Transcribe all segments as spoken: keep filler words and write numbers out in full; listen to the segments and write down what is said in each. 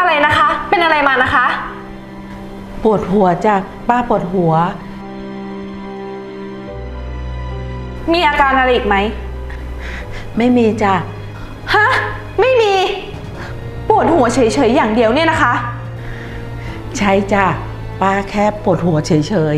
อะไรนะคะ เป็นอะไรมานะคะปวดหัวจ้ะป้าปวดหัวมีอาการอะไรอีกไหมไม่มีจ้ะฮะไม่มีปวดหัวเฉยๆอย่างเดียวเนี่ยนะคะใช่จ้ะป้าแค่ปวดหัวเฉย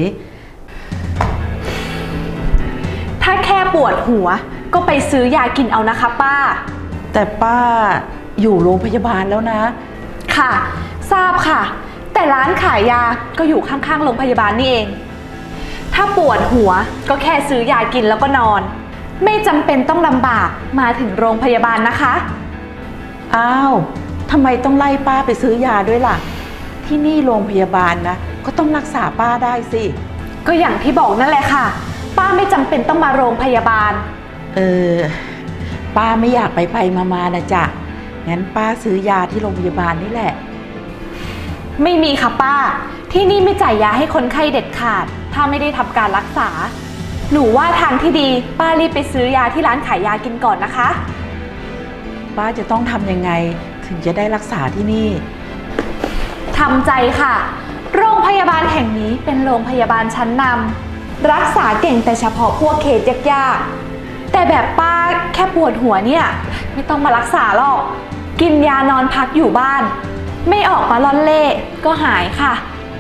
ๆถ้าแค่ปวดหัวก็ไปซื้อยากินเอานะคะป้าแต่ป้าอยู่โรงพยาบาลแล้วนะค่ะทราบค่ะแต่ร้านขายยาก็อยู่ข้างๆโรงพยาบาลนี่เองถ้าปวดหัวก็แค่ซื้อยากินแล้วก็นอนไม่จำเป็นต้องลำบากมาถึงโรงพยาบาลนะคะอ้าวทำไมต้องไล่ป้าไปซื้อยาด้วยล่ะที่นี่โรงพยาบาลนะก็ต้องรักษาป้าได้สิก็อย่างที่บอกนั่นแหละค่ะป้าไม่จำเป็นต้องมาโรงพยาบาลเออป้าไม่อยากไปไปมาๆนะจ๊ะงั้นป้าซื้อยาที่โรงพยาบาลนี่แหละไม่มีค่ะป้าที่นี่ไม่จ่ายยาให้คนไข้เด็ดขาดถ้าไม่ได้ทำการรักษาหนูว่าทางที่ดีป้ารีบไปซื้อยาที่ร้านขายยากินก่อนนะคะป้าจะต้องทำยังไงถึงจะได้รักษาที่นี่ทำใจค่ะโรงพยาบาลแห่งนี้เป็นโรงพยาบาลชั้นนำรักษาเก่งแต่เฉพาะพวกเคสยากๆแต่แบบป้าแค่ปวดหัวเนี่ยไม่ต้องมารักษาหรอกกินยานอนพักอยู่บ้านไม่ออกมาล่อนเล่ก็หายค่ะ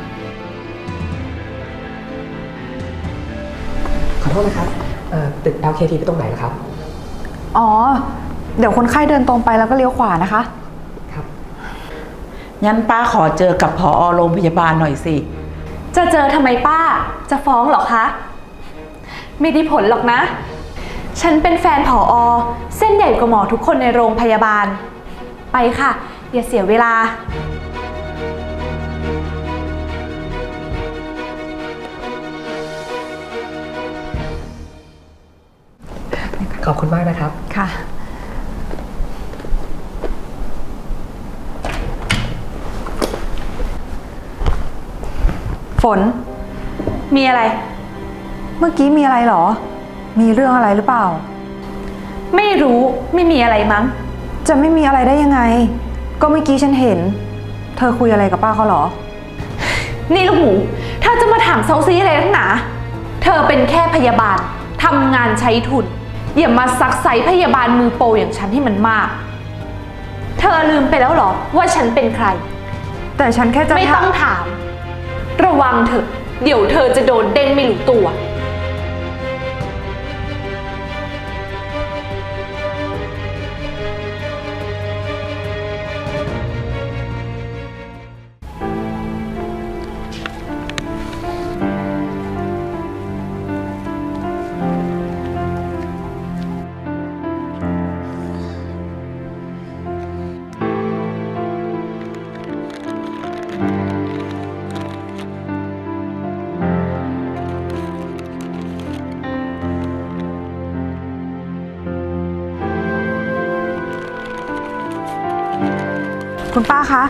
ขอโทษนะครับตึก แอล เค ที ไปตรงไหนนะครับอ๋อเดี๋ยวคนไข้เดินตรงไปแล้วก็เลี้ยวขวานะคะครับงั้นป้าขอเจอกับผอ.โรงพยาบาลหน่อยสิจะเจอทำไมป้าจะฟ้องหรอคะไม่ได้ผลหรอกนะฉันเป็นแฟนผอ.เส้นใหญ่กว่าหมอทุกคนในโรงพยาบาลไปค่ะอย่าเสียเวลาขอบคุณมากนะครับค่ะฝนมีอะไรเมื่อกี้มีอะไรหรอมีเรื่องอะไรหรือเปล่าไม่รู้ไม่มีอะไรมั้งจะไม่มีอะไรได้ยังไงก็เมื่อกี้ฉันเห็นเธอคุยอะไรกับป้าเขาหรอนี่ลูกหมูเธอจะมาถามเซาซีอะไรทั้งหนาเธอเป็นแค่พยาบาลทำงานใช้ทุนอย่ามาซักไซพยาบาลมือโปรอย่างฉันให้มันมากเธอลืมไปแล้วหรอว่าฉันเป็นใครแต่ฉันแค่จะไม่ต้องถามระวังเถอะเดี๋ยวเธอจะโดนเด้งไม่รู้ตัวคุณป้าคะ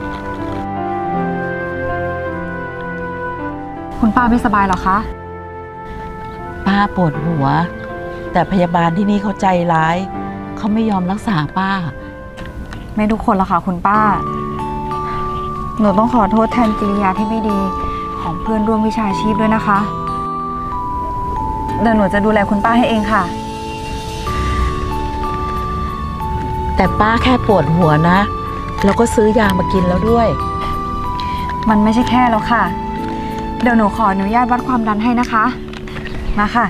คุณป้าไม่สบายหรอคะป้าปวดหัวแต่พยาบาลที่นี่เขาใจร้ายเขาไม่ยอมรักษาป้าไม่ทุกคนหรอกค่ะคุณป้าหนูต้องขอโทษแทนกิริยาที่ไม่ดีของเพื่อนร่วมวิชาชีพด้วยนะคะเดี๋ยวหนูจะดูแลคุณป้าให้เองค่ะแต่ป้าแค่ปวดหัวนะแล้วก็ซื้อยามากินแล้วด้วยมันไม่ใช่แค่แล้วค่ะเดี๋ยวหนูขออนุญาตวัดความดันให้นะคะมาค่ะ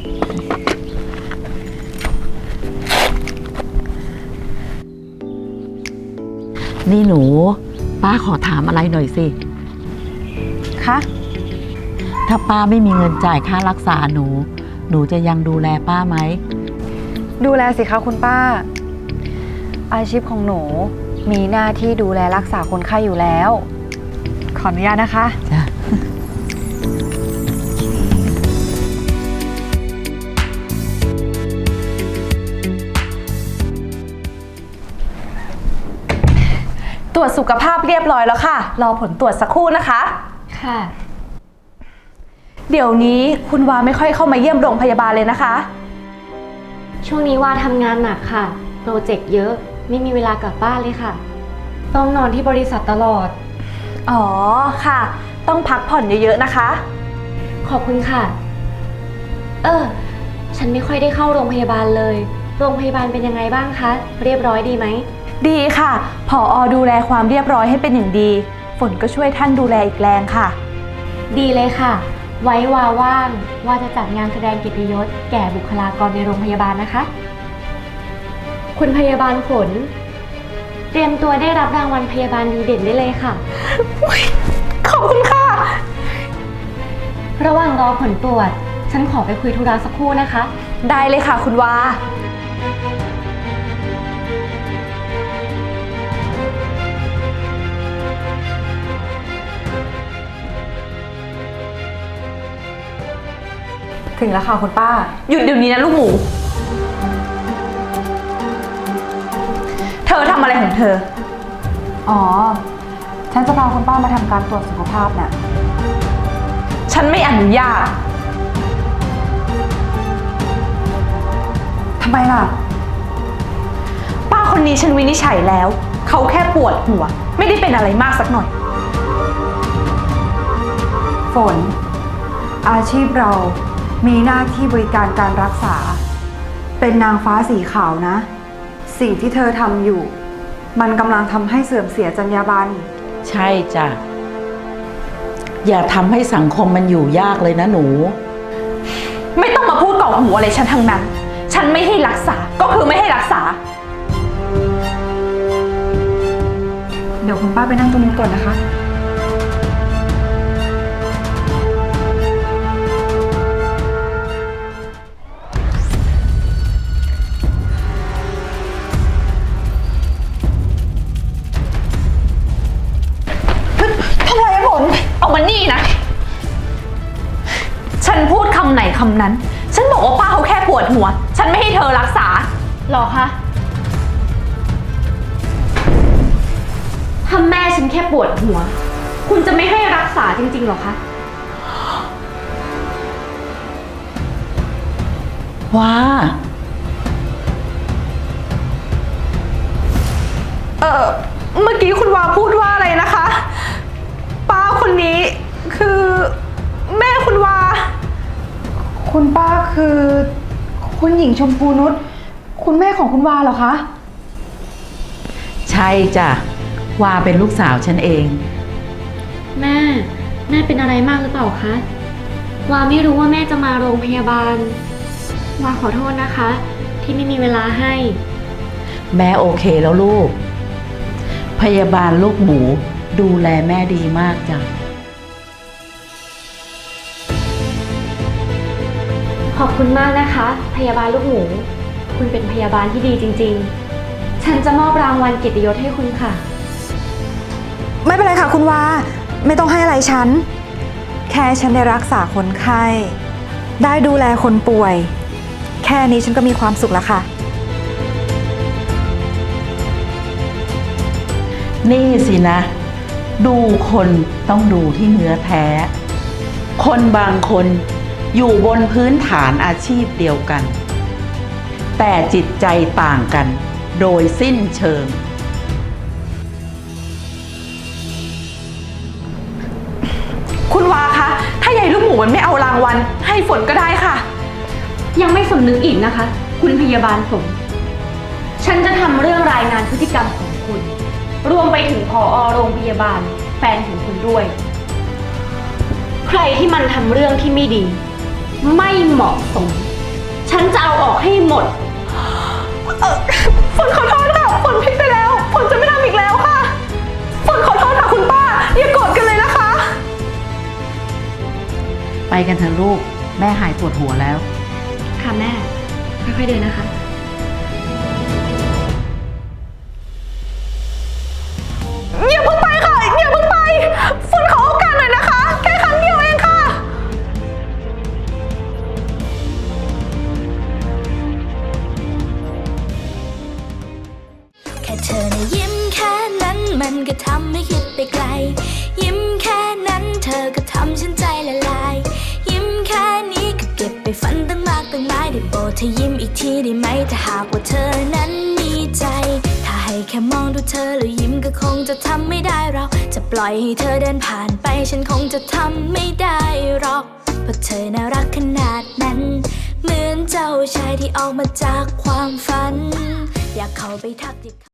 นี่หนูป้าขอถามอะไรหน่อยสิคะถ้าป้าไม่มีเงินจ่ายค่ารักษาหนูหนูจะยังดูแลป้าไหมดูแลสิคะคุณป้าอาชีพของหนูมีหน้าที่ดูแลรักษาคนไข้อยู่แล้วขออนุญาตนะคะจ้ะตรวจสุขภาพเรียบร้อยแล้วค่ะรอผลตรวจสักครู่นะคะค่ะเดี๋ยวนี้คุณวาไม่ค่อยเข้ามาเยี่ยมโรงพยาบาลเลยนะคะช่วงนี้วาทำงานหนักค่ะโปรเจกต์เยอะไม่มีเวลากลับบ้านเลยค่ะต้องนอนที่บริษัทตลอดอ๋อค่ะ ต้องพักผ่อนเยอะๆนะคะขอบคุณค่ะ เออ ฉันไม่ค่อยได้เข้าโรงพยาบาลเลย โรงพยาบาลเป็นยังไงบ้างคะ เรียบร้อยดีไหมดีค่ะผออดูแลความเรียบร้อยให้เป็นอย่างดี ฝนก็ช่วยท่านดูแลอีกแรงค่ะดีเลยค่ะ ไว้วาว่างว่าจะจัดงานแสดงเกียรติยศแก่บุคลากรในโรงพยาบาลนะคะ คุณพยาบาลฝน เตรียมตัวได้รับรางวัลพยาบาลดีเด่นได้เลยค่ะขอบคุณค่ะระหว่างรอผลตรวจ ฉันขอไปคุยธุระสักครู่นะคะได้เลยค่ะคุณวาถึงแล้วค่ะคุณป้าหยุดเดี๋ยวนี้นะลูกหมู เธอทำอะไรของเธออ๋อ ฉันจะพาคุณป้ามาทำการตรวจสุขภาพน่ะฉันไม่อนุญาตทำไมล่ะป้าคนนี้ฉันวินิจฉัยแล้ว เขาแค่ปวดหัว ไม่ได้เป็นอะไรมากสักหน่อยฝน อาชีพเรามีหน้าที่บริการการรักษา เป็นนางฟ้าสีขาวนะ สิ่งที่เธอทำอยู่ มันกำลังทำให้เสื่อมเสียจรรยาบรรณใช่จ้ะ อย่าทำให้สังคมมันอยู่ยากเลยนะหนูไม่ต้องมาพูดก่อกหัวอะไรฉันทั้งนั้น ฉันไม่ให้รักษา ก็คือไม่ให้รักษาเดี๋ยวคุณป้าไปนั่งตรงนี้ก่อนนะคะทำไมผล เอามานี่นะ ฉันพูดคำไหนคำนั้น ฉันบอกว่าป้าเขาแค่ปวดหัว ฉันไม่ให้เธอรักษาหรอคะถ้าแม่ฉันแค่ปวดหัว คุณจะไม่ให้รักษาจริงๆหรอคะว้าเออเมื่อกี้คุณวาพูดว่าอะไรนะคะ ป้าคนนี้คือแม่คุณวาคุณป้าคือ คุณหญิงชมพูนุช คุณแม่ของคุณวาเหรอคะใช่จ้ะ วาเป็นลูกสาวฉันเองแม่ แม่เป็นอะไรมากหรือเปล่าคะ วาไม่รู้ว่าแม่จะมาโรงพยาบาล วาขอโทษนะคะ ที่ไม่มีเวลาให้แม่โอเคแล้วลูก พยาบาลลูกหมูดูแลแม่ดีมากจ้ะขอบคุณมากนะคะ พยาบาลลูกหมู คุณเป็นพยาบาลที่ดีจริงๆ ฉันจะมอบรางวัลเกียรติยศให้คุณค่ะไม่เป็นไรค่ะคุณวา ไม่ต้องให้อะไรฉัน แค่ฉันได้รักษาคนไข้ ได้ดูแลคนป่วย แค่นี้ฉันก็มีความสุขแล้วค่ะนี่สินะ ดูคนต้องดูที่เนื้อแท้ คนบางคนอยู่บนพื้นฐานอาชีพเดียวกัน แต่จิตใจต่างกันโดยสิ้นเชิงคุณวาคะ ถ้ายายลูกหมูมันไม่เอารางวัลให้ฝนก็ได้ค่ะยังไม่สำนึกอีกนะคะ คุณพยาบาลฝน ฉันจะทำเรื่องรายงานพฤติกรรมของคุณ รวมไปถึงผอโรงพยาบาลแฟนของคุณด้วย ใครที่มันทำเรื่องที่ไม่ดี ไม่เหมาะสม ฉันจะเอาออกให้หมดเออฝนขอโทษค่ะ ฝนผิดไปแล้ว ฝนจะไม่ทำอีกแล้วค่ะ ฝนขอโทษค่ะคุณป้า อย่าโกรธกันเลยนะคะไปกันเถอะลูก แม่หายปวดหัวแล้วค่ะแม่ ค่อยๆเดินนะคะอย่าเพิ่งไปค่ะ อย่าเพิ่งไป ฝนขอโอกาสหน่อยนะคะ แค่ครั้งเดียวเองค่ะแค่เธอนะยิ้มแค่นั้นมันก็ทำให้คิดไปไกล ยิ้มแค่นั้นเธอก็ทำฉันใจละลาย ยิ้มแค่นี้ก็เก็บไปฝันตั้งมากตั้งหลายได้โปรดเธอยิ้มอีกทีได้ไหมถ้าหากว่าเธอนั้นมีใจ ถ้าให้แค่มองดูเธอแล้วยิ้มก็คงจะทำไม่ได้เราจะปล่อยให้เธอเดินผ่านไปฉันคงจะทำไม่ได้หรอกเพราะเธอน่ารักขนาดนั้นเหมือนเจ้าชายที่ออกมาจากความฝันอยากเข้าไปทักทิ